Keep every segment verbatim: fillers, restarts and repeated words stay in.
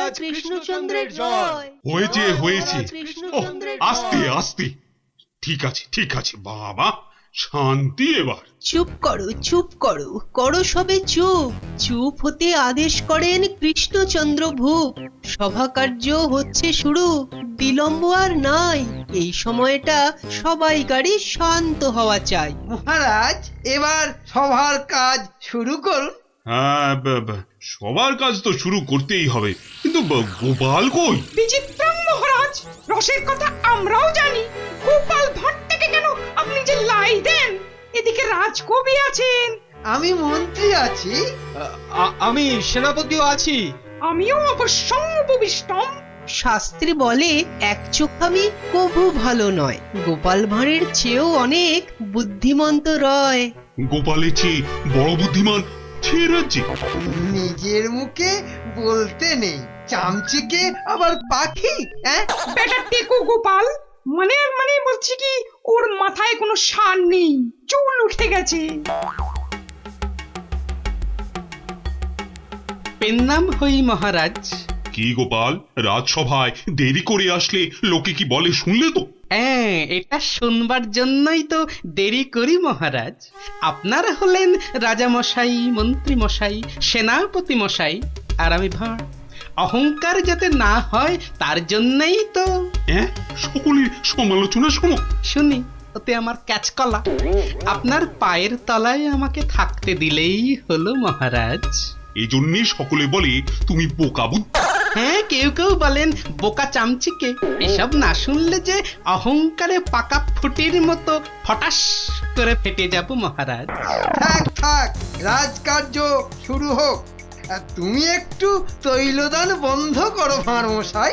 মহারাজ কৃষ্ণচন্দ্রের জয়। হয়েছে হয়েছে, কৃষ্ণচন্দ্রের আস্তে জয়। আস্তে, ঠিক আছে ঠিক আছে বাবা, শান্তি এবার। চুপ করো চুপ করো করো সবে চুপ। চুপ হতে আদেশ করেন কৃষ্ণচন্দ্র ভূপ। সভা কার্য হচ্ছে শুরু, বিলম্ব আর নাই। এই সময়টা সবাইকারই শান্ত হওয়া চাই। মহারাজ এবার সভার কাজ শুরু করুন। হ্যাঁ, ব- ব- সবার কাজ তো শুরু করতেই হবে, কিন্তু ব- গোপাল কই? বিচিত্রম মহারাজ, রসের কথা আমরাও জানি। গোপাল ভাঁড় থেকে কেন আপনি যে লাই দেন? এদিকে রাজকবি আছেন, আমি মন্ত্রী আছি। আমি সেনাপতিও আছি। আমিও অবশ্যই উপবিষ্টম। শাস্ত্রে বলে এক চোখামি কভু ভালো নয়। গোপাল ভাঁড়ের চেয়েও অনেক বুদ্ধিমন্ত রয়। গোপালের চেয়ে বড় বুদ্ধিমান সে রাজ্যে? নিজের মুখে বলতে নেই, চামচিকে আবার পাখি। হ্যাঁ, বেটা টেকো গোপাল, মানে মানে বলছি কি, ওর মাথায় কোনো সার নেই, চুল উঠে গেছে। পেন নাম হই মহারাজ। কি গোপাল, রাজসভায় দেরি করে আসলে লোকে কি বলে শুনলে তো? হ্যাঁ, এটা শুনবার জন্যই তো দেরি করি মহারাজ। আপনারা হলেন রাজা মশাই, মন্ত্রী মশাই, সেনাপতি মশাই, আর আমি ভাঁড়। অহংকার যাতে না হয় তার জন্যই তো। হ্যাঁ, সকলের সমালোচনা শোনো। শুনি, ওতে আমার ক্যাচকলা। আপনার পায়ের তলায় আমাকে থাকতে দিলেই হলো মহারাজ। এই জন্যে সকলে বলে তুমি বোকা বুদ্ধি। হ্যাঁ, কেউ কেউ বলেন বোকা চামচিকে। এসব না শুনলে যে অহংকারে পাকা ফুটির মতো ফটাস করে ফেটে যাব মহারাজ। থাক থাক, রাজকার্য শুরু হোক। আর তুমি একটু তৈলদান বন্ধ করো ভাঁড় মশাই।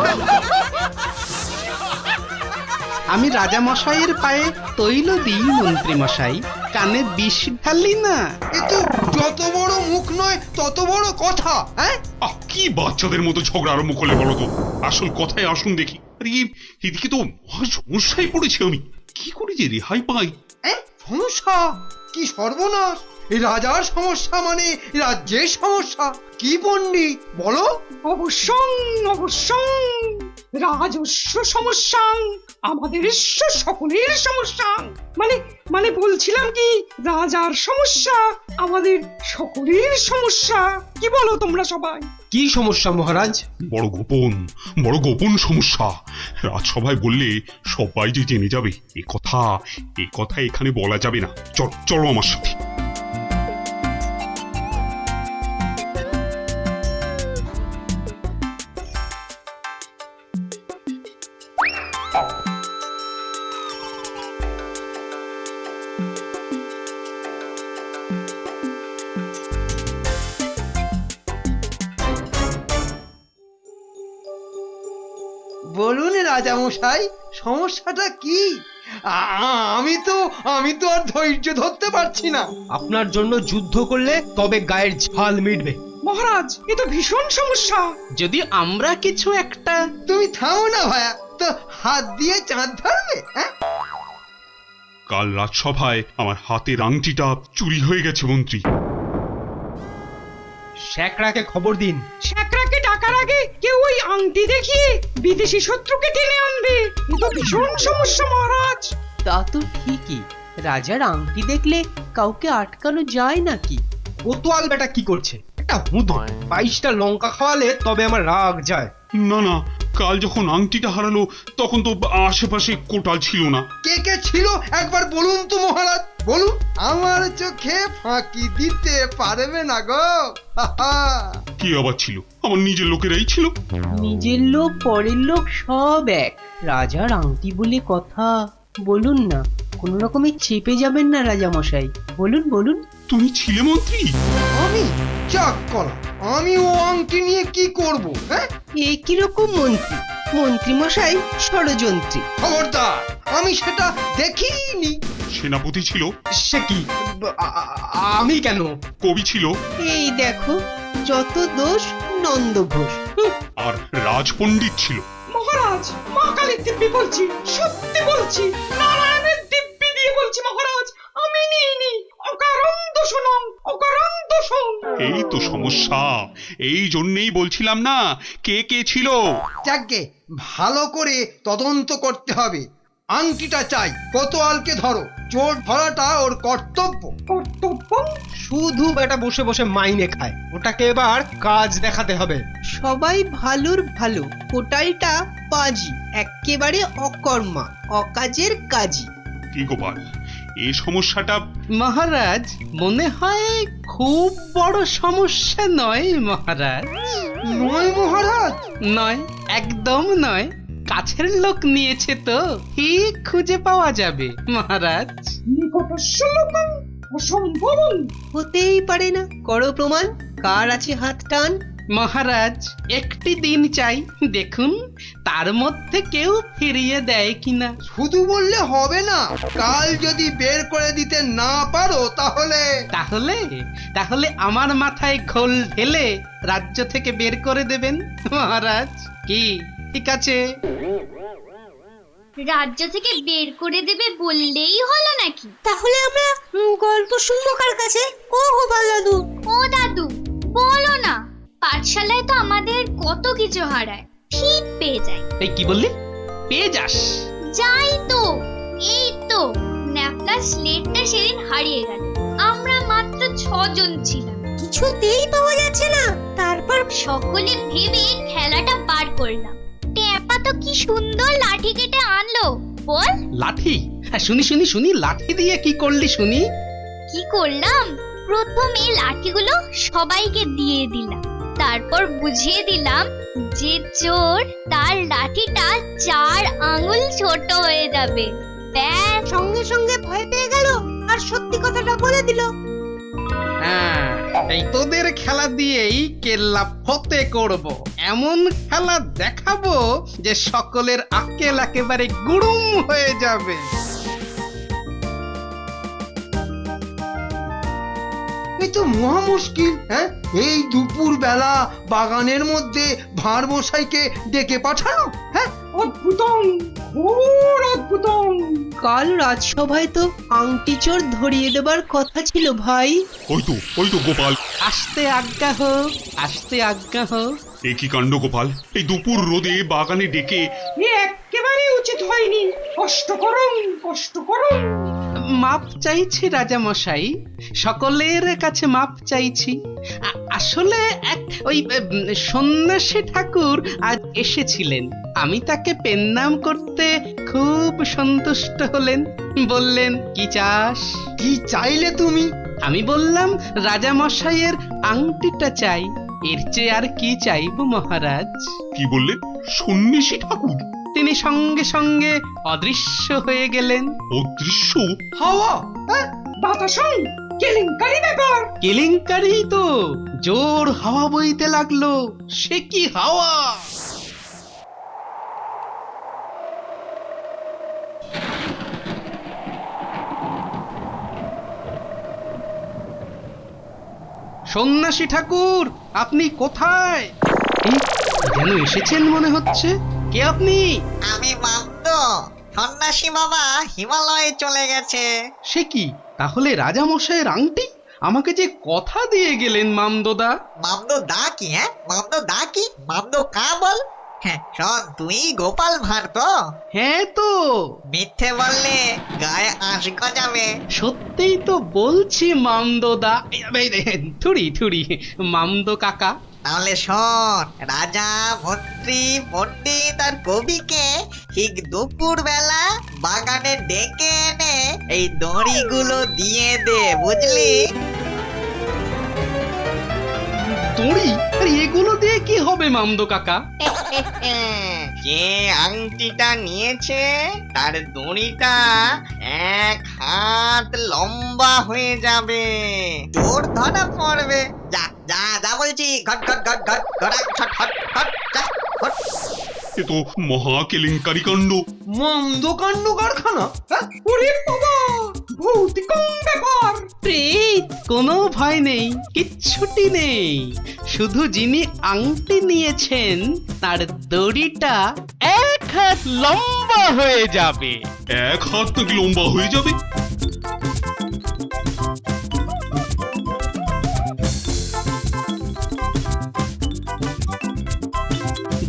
আমি রাজা মশাইয়ের পায়ে তৈল দিই মন্ত্রী মশাই, কানে বিষ ঢালি না। এ তো যত বড় মুখ নয় তত বড় কথা। হ্যাঁ, আহ, কি বাচ্চাদের মতো ঝগড়া আরম্ভ করলে বলো তো? আসল কথায় আসুন দেখি। আরে এ- এদিকে তো মহা সমস্যায় পড়েছি আমি, কি করে যে রেহাই পাই? এই সমস্যা কি সর্বনাশ! এই রাজার সমস্যা মানে রাজ্যের সমস্যা। কি পণ্ডিত বলো? অবশ্যই অবশ্যই, রাজস্ব সমস্যা আমাদের ঈশ্বর সকলের সমস্যা। মানে মানে বলছিলাম কি, রাজার সমস্যা আমাদের সকলের সমস্যা। কি বলো তোমরা সবাই? কি সমস্যা মহারাজ? বড় গোপন, বড় গোপন সমস্যা। রাজসভায় বললে সবাই যে জেনে যাবে এ কথা, এ কথা এখানে বলা যাবে না। চল চলো আমার সাথে। বলুন রাজা মশাই, সমস্যাটা কি? আ- আ- আমি তো আমি তো আর ধৈর্য ধরতে পারছি না। আপনার জন্য যুদ্ধ করলে তবে গায়ের ঝাল মিটবে। মহারাজ, এ তো ভীষণ সমস্যা। যদি আমরা কিছু একটা। তুমি থামো না ভায়া, তো হাত দিয়ে চাঁদ ধরবে? হ্যাঁ, কাল রাজসভায় আমার হাতের আংটিটা চুরি হয়ে গেছে মন্ত্রী। শ্যাকরাকে খবর দিন। শ্যাকরাকে ডাকার আগে কেউ ওই আংটি দেখিয়ে বিদেশি শত্রুকে টেনে আনবে। এ তো ভীষণ সমস্যা মহারাজ। তা তো ঠিকই, রাজার আংটি দেখলে কাউকে আটকানো যায় নাকি? কোতোয়াল বেটা কি করছে? একটা হুঁদো বাইশটা লঙ্কা খাওয়ালে তবে আমার রাগ যায়। না না, কাল যখন আংটিটা হারালো তখন তো আশেপাশে কোটাল ছিল না। কে কে ছিল একবার বলুন তো মহারাজ, বলুন। আমার চোখে ফাঁকি দিতে পারবে না গো। হা হা। কি আবার ছিল? আমার নিজের লোকেরাই ছিল। নিজের লোক পরের লোক সব এক। রাজার আংটি বলে কথা। বলুন না, কোন রকমে চেপে যাবেন না রাজা মশাই। বলুন বলুন। তুমি ছিলে মন্ত্রী? আমি চাক কলা, আমি ও আংটি নিয়ে কি করব? হ্যাঁ, এ কিরকম মন্ত্রী? মন্ত্রী মশাই ষড়যন্ত্রী। খবরদার, আমি সেটা দেখিনি। সেনাপতি ছিল? সে কি? আ- আ- আমি কেন? কবি ছিল? এই দেখো, যত দোষ নন্দ ঘোষ। হুঁ, আর রাজপণ্ডিত ছিল? মহারাজ, মা কালীর দিব্যি বলছি, সত্যি বলছি, নারায়ণের দিব্যি দিয়ে বলছি মহারাজ, আমি নিইনি। অকারণ দোষণং, অকারণ দোষণ। এই তো সমস্যা, এই জন্যেই বলছিলাম না কে কে ছিল। যাকে ভালো করে তদন্ত করতে হবে। আংটিটা চাই, কোতোয়ালকে ধরো, চোর ধরাটা ওর কর্তব্য। কর্তব্য শুধু বেটা বসে বসে মাইনে খায়, ওটাকে এবার কাজ দেখাতে হবে। সবাই ভালোর ভালো, কোটালটা পাজি, একেবারে অকর্মা, অকাজের কাজী। কি গোপাল, এই সমস্যাটা মহারাজ মনে হয় খুব বড় সমস্যা নয় মহারাজ। নয় মহারাজ? নয়, একদম নয়। কাছের লোক নিয়েছে তো ঠিক খুঁজে পাওয়া যাবে মহারাজ। নিকটস্য লোকং অসম্ভবং। হতেই পারে না, করো প্রমাণ, কার আছে হাত টান। মহারাজ একটি দিন চাই, দেখুন তার মধ্যে কেউ ফিরিয়ে দেয় কিনা। শুধু বললে হবে না, কাল যদি বের করে দিতে না পারো তাহলে তাহলে তাহলে আমার মাথায় খোল ঢেলে রাজ্য থেকে বের করে দেবেন মহারাজ। কি ঠিক আছে? রাজ্য থেকে বের করে দেবে বললেই হলো নাকি? তাহলে আমরা উম, গল্প শুনবো কার কাছে? ও গোপাল দাদু, ও দাদু বলো না, পাঠশালায় তো আমাদের কত কিছু হারায়, ঠিক পেয়ে যাই। এই কি বললি? পেয়ে যাস? যাই তো, এই তো ন্যাপলা স্লেটটা সেদিন হারিয়ে গেল। আমরা মাত্র ছজন ছিলাম, কিছুতেই পাওয়া যাচ্ছে না। তারপর সকলে ভেবে খেলাটা বার করলাম। ট্যাপা তো কি সুন্দর লাঠি কেটে আনলো, বল। লাঠি? হ্যাঁ শুনি শুনি শুনি, লাঠি দিয়ে কি করলি শুনি? কি করলাম, প্রথমে লাঠিগুলো সবাইকে দিয়ে দিলাম, তারপর বুঝিয়ে দিলাম যে চোর তার লাঠিটা চার আঙুল ছোট হয়ে যাবে। ব্যাস, সঙ্গে সঙ্গে ভয় পেয়ে গেল আর সত্যি কথাটা বলে দিল। হ্যাঁ, এই তোদের খেলা দিয়েই কেল্লা ফতে করব, এমন খেলা দেখাবো যে সকলের আক্কেল একেবারে গুড়ুম হয়ে যাবে। এই তো মহা মুশকিল। হ্যাঁ, এই দুপুর বেলা বাগানের মধ্যে ভাঁড় মশাইকে ডেকে পাঠানো। হ্যাঁ, অদ্ভুতং, ঘোর অদ্ভুতং। কাল রাজসভায় তো আংটি চোর ধরিয়ে দেবার কথা ছিল ভাই। ওই তো ওই তো গোপাল। আসতে আজ্ঞা হোক, আসতে আজ্ঞা হোক। এ কি কাণ্ড গোপাল, এই দুপুর রোদে বাগানে ডেকে। এ একেবারে উচিত হয়নি। কষ্ট করুন, কষ্ট করুন। মাপ চাইছি রাজা মশাই, সকলের কাছে মাপ চাইছি। আ- আসলে এক ওই উম, সন্ন্যাসী ঠাকুর আজ এসেছিলেন, আমি তাকে পেন্নাম করতে খুব সন্তুষ্ট হলেন। বললেন কি চাস? কি চাইলে তুমি? আমি বললাম রাজা মশাইয়ের আংটিটা চাই, এর চেয়ে আর কি চাইব মহারাজ। কি বললে? সন্ন্যাসী ঠাকুর? তিনি সঙ্গে সঙ্গে অদৃশ্য হয়ে গেলেন। অদৃশ্য? হাওয়া? হ্যাঁ, বাতাসং, কেলেঙ্কারি ব্যাপার। কেলেঙ্কারি তো, জোর হাওয়া বইতে লাগলো। সে কি হাওয়া! সন্ন্যাসী ঠাকুর, আপনি কোথায়? এই, যেন এসেছেন মনে হচ্ছে। কে আপনি? আমি মামদ, সন্ন্যাসী বাবা হিমালয়ে চলে গেছে। সে কি, তাহলে রাজা মশাইয়ের আংটি? আমাকে যে কথা দিয়ে গেলেন মামদোদা। মামদ দা কি? হ্যাঁ, মামদ দা কি? মামদ কা বল? হ্যাঁ শোন, তুই গোপাল ভাঁড় তো? হ্যাঁ তো, মিথ্যে বললে গায়ে আঁশ গজাবে। সত্যিই তো বলছি মামদোদা। থুড়ি থুড়ি, মামদো কাকা। তাহলে শোন, রাজা মন্ত্রী পণ্ডিত আর কবিকে ঠিক দুপুর বেলা বাগানে ডেকে এনে এই দড়িগুলো দিয়ে দে, বুঝলি? দড়ি? আরে এগুলো দিয়ে কি হবে মামদো কাকা? যে আংটিটা নিয়েছে তার দড়িটা এক হাত লম্বা হয়ে যাবে, তোর ধরা পড়বে। যা যা যা বলছি, ঘট ঘট ঘট ঘট ঘটা ছট হট হট যা হট। এ তো মহা কেলেঙ্কারি কাণ্ড। মন্দ কাণ্ড কারখানা। হ্যাঁ, ওরে বাবা, ভৌতিকং ব্যাপার। প্রেত, কোনো ভয় নেই, কিচ্ছুটি নেই। শুধু যিনি আংটি নিয়েছেন তার দড়িটা এক হাত লম্বা হয়ে যাবে। এক হাত নাকি লম্বা হয়ে যাবে?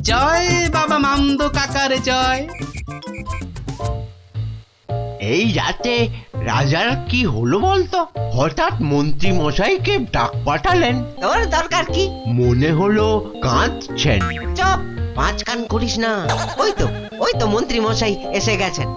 জয় বাবা মামদো কাকার জয়। এই রাতে রাজার কি হলো বলতো? হঠাৎ মন্ত্রী মশাইকে ডাক পাঠালেন। তোর দরকার কি? মনে হলো কাঁদছেন। চপ, পাঁচ কান করিস না। ওই তো ওই তো মন্ত্রী মশাই এসে গেছেন।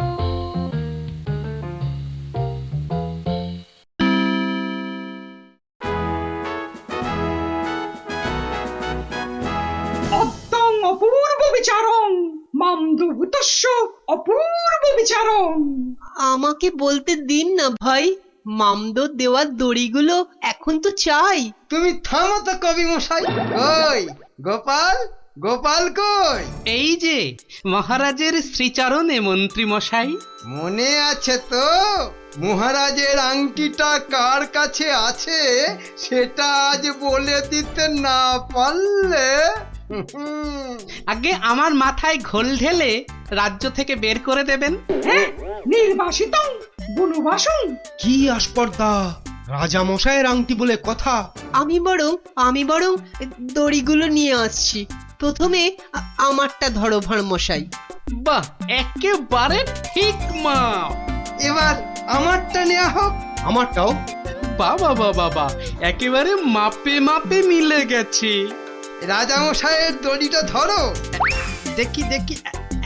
অদ্যং অপূর্ব বিচারং মামদভূতস্য অপূর্ব বিচারং। আমাকে বলতে দিন না ভাই, মামদো দেওয়ার দড়িগুলো এখন তো চাই। তুমি থামো তো কবি মশাই। কই গোপাল, গোপাল কই? এই যে মহারাজের শ্রীচরণে মন্ত্রী মশাই। মনে আছে তো মহারাজের আংটিটা কার কাছে আছে সেটা আজ বলে দিতে না পারলে হুম, আগে আমার মাথায় ঘোল ঢেলে রাজ্য থেকে বের করে দেবেন। হ্যাঁ, নির্বাসিতং বনবাসং। কি আস্পর্ধা! রাজা মশাইয়ের আংটি বলে কথা। আমি বরং আমি বরং দড়িগুলো নিয়ে আসছি। প্রথমে আ- আমারটা ধরো ভাঁড় মশাই। বাহ, একেবারে ঠিক মা। এবার আমারটা নেওয়া হোক। আমারটাও। বাবা বাবা বাবা, একেবারে মাপে মাপে মিলে গেছে। রাজামশাইয়ের দড়িটা ধরো। দেখি দেখি,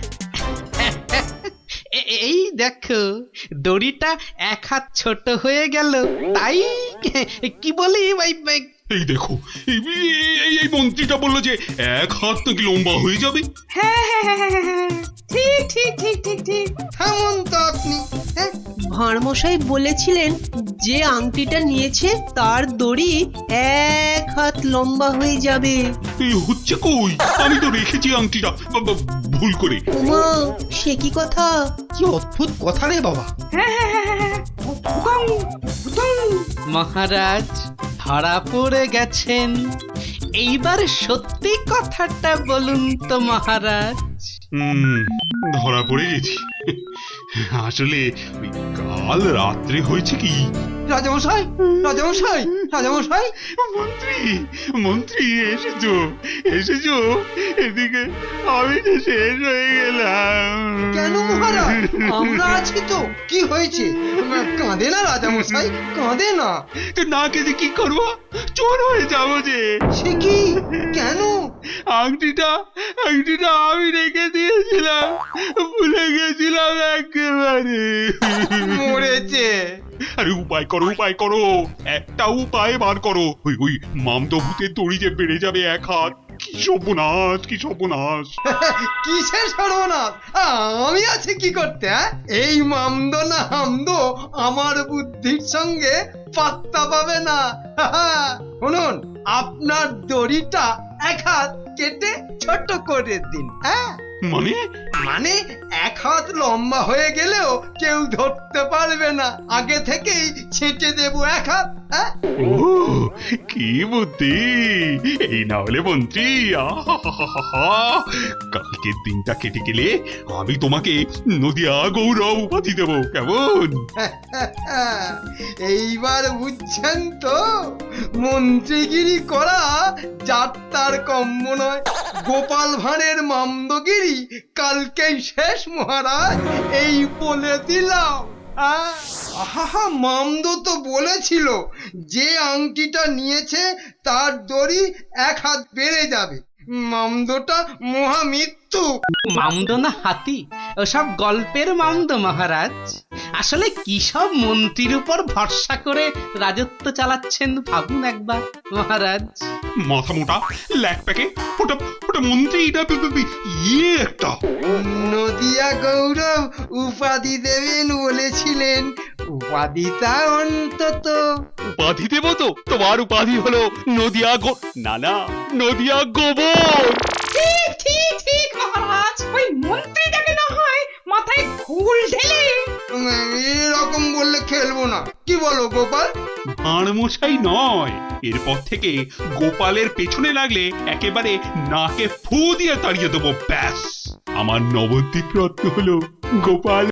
এ- এই দেখো দড়িটা এক হাত ছোট হয়ে গেল, তাই কি বলি ভাই ভাই, এই দেখো এই এই- এই মন্ত্রীটা বললো যে এক হাত নাকি লম্বা হয়ে যাবে। হ্যাঁ হ্যাঁ হ্যাঁ হ্যাঁ, হ্যাঁ, ঠিক ঠিক ঠিক ঠিক ঠিক। থামুন তো আপনি। হ্যাঁ, ভাঁড় মশাই বলেছিলেন যে আংটিটা নিয়েছে তার দড়ি এক হাত লম্বা হয়ে যাবে। এই হচ্ছে কই? আমি তো রেখেছি আংটিটা বা- বা- ভুল করে। উমা, সে কি কথা? কি অদ্ভুত কথা রে বাবা। হ্যাঁ হ্যাঁ হ্যাঁ হ্যাঁ, হ্যাঁ। ভুতং, ভুতং। মহারাজ ধরা পড়ে গেছেন। এইবার সত্যি কথাটা বলুন তো মহারাজ। হুম, ধরা পড়ে গেছি। আসলে ওই কাল রাত্রে হয়েছে কি, রাজামশাই, রাজামশাই, রাজামশাই। মন্ত্রী মন্ত্রী এসেছো এসেছো এদিকে, আমি তো শেষ হয়ে গেলাম। কেন মহারাজ? আমরা আছি তো। কি হয়েছে? কাঁদে না রাজামশাই, কাঁদে না। তো না কেঁদে কি করবো? চোর হয়ে যাবো যে। সে কি? কেন? আংটিটা আংটিটা আমি রেখে দিয়েছিলাম, ভুলে গেছিলাম একেবারে। মরেছে। আরে উপায় করো উপায় করো, একটা উপায় বার করো। ওই ওই মামদো ভূতের দড়ি যে বেড়ে যাবে এক হাত। কি সর্বনাশ, কি সর্বনাশ। কিসের সর্বনাশ? আমি আছি কি করতে? হ্যাঁ? এই মামদ না হামদ আমার বুদ্ধির সঙ্গে পাত্তা পাবে না। শুনুন, আপনার দড়িটা এক হাত কেটে ছোট করে দিন। হ্যাঁ, মানে মানে এক হাত লম্বা হয়ে গেলেও কেউ ধরতে পারবে না। আগে থেকেই ছেঁটে দেবো এক হাত। হ্যাঁ, ও কি বুদ্ধি! এই না হলে মন্ত্রী, আহাহাহাহা, কালকের দিনটা কেটে গেলে আমি তোমাকে নদিয়া গৌরব উপাধি দেবো, কেমন? এইবার বুঝছেন তো, মন্ত্রীগিরি করা যাত্রার কম্য নয়। গোপাল ভাঁড়ের মামদগিরি কালকেই শেষ মহারাজ, এই বলে দিলাম। আহ, আহা, মামদ তো বলেছিল যে আংটিটা নিয়েছে তার দড়ি এক হাত বেড়ে যাবে। মামদটা মহামৃত্যু। মামদো না হাতি, ওসব গল্পের মামদো মহারাজ। আসলে কি সব মন্ত্রীর উপর ভরসা করে রাজত্ব চালাচ্ছেন ভাবুন একবার মহারাজ। মাথা মোটা ল্যাক প্যাকে ওটা ওটা মন্ত্রী, এটা বি- বি- ইয়ে একটা। নদিয়া গৌরব উপাধি দেবেন বলেছিলেন, উপাধিটা অন্তত। উপাধি দেবো তো? তোমার উপাধি হলো নদিয়া গো, না না, নদিয়া গোবর। ঠিক ঠিক ঠিক মহারাজ, ওই মন্ত্রীটাকে না হয় মাথায় ঘুল ঢেলে। উম, এরকম বললে খেলবো না। কি বলো গোপাল? ভাঁড় মশাই নয়, এরপর থেকে গোপালের পেছনে লাগলে একেবারে নাকে ফু দিয়ে তাড়িয়ে দেবো, ব্যাস। আমার নবদ্বীপ রত্ন হলো গোপাল।